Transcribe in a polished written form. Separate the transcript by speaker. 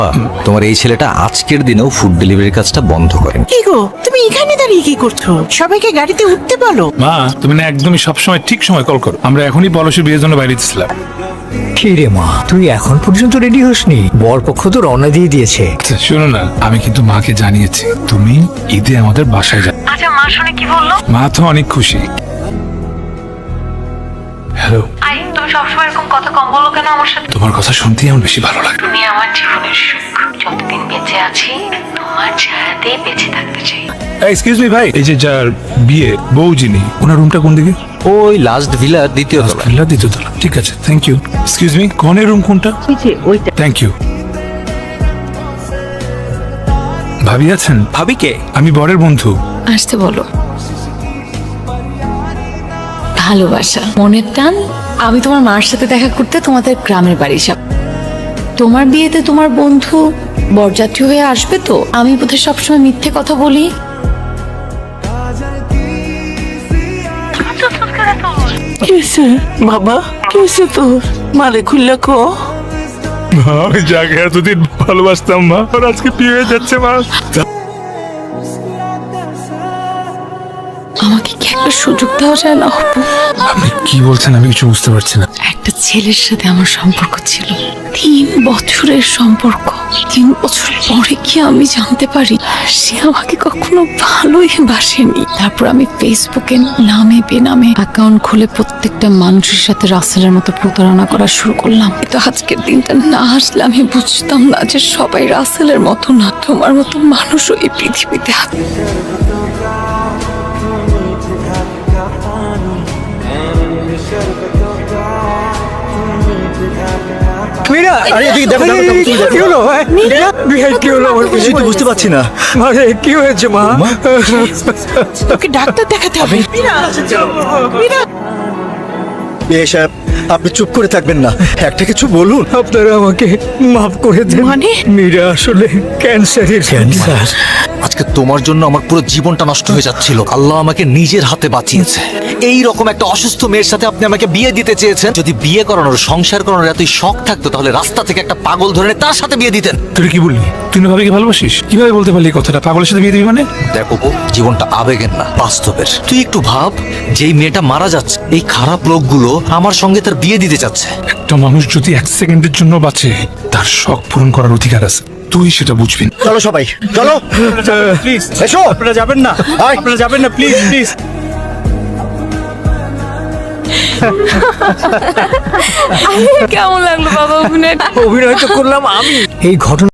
Speaker 1: তোমার এই ছেলেটা আজকের দিনেও ফুড ডেলিভারির কাজটা বন্ধ করেন।
Speaker 2: কি গো, তুমি এখানে দাঁড়িয়ে কি করছো? সবাইকে গাড়িতে উঠতে বলো।
Speaker 3: মা, তুমি না একদমই সবসময় ঠিক সময় কল করো। আমরা এখনই পলাশের বিয়ের জন্য বাইরে ছিলাম।
Speaker 4: কি রে মা, তুই এখন পর্যন্ত রেডি হসনি? বর পক্ষ তো রওনা দিয়ে দিয়েছে।
Speaker 3: আচ্ছা শোনো না, আমি কিন্তু মাকে জানিয়েছি তুমি ঈদে আমাদের বাসায় যাবে।
Speaker 5: আচ্ছা, মা শুনে কি বললো?
Speaker 3: মা তো অনেক খুশি। হ্যালো,
Speaker 5: আই, তুমি সবসময় এরকম কথা কম বলো কেন আমার সাথে?
Speaker 3: তোমার কথা শুনতেই আমার বেশি ভালো লাগে।
Speaker 5: তুমি আমার জীবনের সুখ। যতদিন বেঁচে আছি তোমার ছায়াতেই বেঁচে থাকতে চাই।
Speaker 3: এক্সকিউজ মি ভাই, এই যে যার বিয়ে বউ যিনি, ওনার রুমটা কোন দিকে?
Speaker 1: ওই লাস্ট ভিলার দ্বিতীয় তলা।
Speaker 3: ভিলা দ্বিতীয়তলা। ঠিক আছে, থ্যাংক ইউ। এক্সকিউজ মি, কনের রুম কোনটা? Thank you. ভাবি আছেন?
Speaker 1: ভাবি কে?
Speaker 3: আমি বরের বন্ধু।
Speaker 6: আসতে বলো। ভালোবাসা, মনের টান। আমি তোমার মার সাথে দেখা করতে তোমাদের গ্রামের বাড়ি যাব। তোমার বিয়েতে তোমার বন্ধু বরযাত্রী হয়ে আসবে তো? আমি বোধহয় সবসময় মিথ্যে কথা বলি।
Speaker 2: কিসে বাবা, কিসে তোর? মারে খুললে কো।
Speaker 3: আমি যাকে এতদিন ভালোবাসতাম মা, আর আজকে বিয়ে হয়ে যাচ্ছে মা।
Speaker 6: আমাকে কি একটা সুযোগ দেওয়া যায় না? অপু,
Speaker 3: আপনি কি বলছেন আমি কিছু বুঝতে পারছি না।
Speaker 6: একটা ছেলের সাথে আমার সম্পর্ক ছিল, 3 বছরের সম্পর্ক। 3 বছর পরে কি আমি জানতে পারি সে আমাকে কখনো ভালোই বাসেনি। তারপর আমি ফেসবুকে নামে বেনামে অ্যাকাউন্ট খুলে প্রত্যেকটা মানুষের সাথে রাসেলের মতো প্রতারণা করা শুরু করলাম। তো আজকের দিনটা না আসলে আমি বুঝতাম না যে সবাই রাসেলের মতো না, তোমার মতো মানুষও এই পৃথিবীতে আছে।
Speaker 4: মীরা, আরে এদিকে দেখো, কি হলো? বিহার কি হলো? আমার কিছুই তো বুঝতে পারছি না। মারে কি হয়েছে মা?
Speaker 2: তোকে ডাক্তার দেখাতে হবে।
Speaker 4: বিয়ে সাহেব, আপনি চুপ করে থাকবেন না, একটা কিছু বলুন। আপনারা আমাকে মাফ করে দেন।
Speaker 2: মানে?
Speaker 4: মীরা আসলে ক্যান্সারের। ক্যান্সার?
Speaker 1: আজকে তোমার জন্য আমার পুরো জীবনটা নষ্ট হয়ে যাচ্ছিল। আল্লাহ আমাকে নিজের হাতে বাঁচিয়েছে। এই রকম একটা অসুস্থ মেয়ের সাথে আপনি আমাকে বিয়ে দিতে চেয়েছেন। যদি বিয়ে করানোর, সংসার করানোর এতই শখ থাকতো তাহলে রাস্তা থেকে একটা পাগল ধরে এনে তার সাথে বিয়ে দিতেন।
Speaker 3: তুই কি বললি? তুই না ভাবিকে ভালোবাসিস? কিভাবে বলতে পারলি এই কথাটা? পাগলের সাথে বিয়ে দিবি মানে?
Speaker 1: দেখো গো, জীবনটা আবেগের না, বাস্তবের। তুই একটু ভাব, যেই মেয়েটা মারা যাচ্ছে, এই খারাপ লোকগুলো আমার সঙ্গে তার বিয়ে দিতে চাচ্ছে।
Speaker 3: একটা মানুষ যদি 1 সেকেন্ডের জন্য বাঁচে, তার শখ পূরণ করার অধিকার আছে। তুই সেটা বুঝবি না।
Speaker 4: চলো সবাই, চলো
Speaker 7: প্লিজ
Speaker 4: এসো।
Speaker 7: আপনারা যাবেন না, আপনারা যাবেন না, প্লিজ প্লিজ।
Speaker 6: কেমন লাগলো বাবা অভিনয়?
Speaker 4: অভিনয় তো করলাম আমি। এই ঘটনা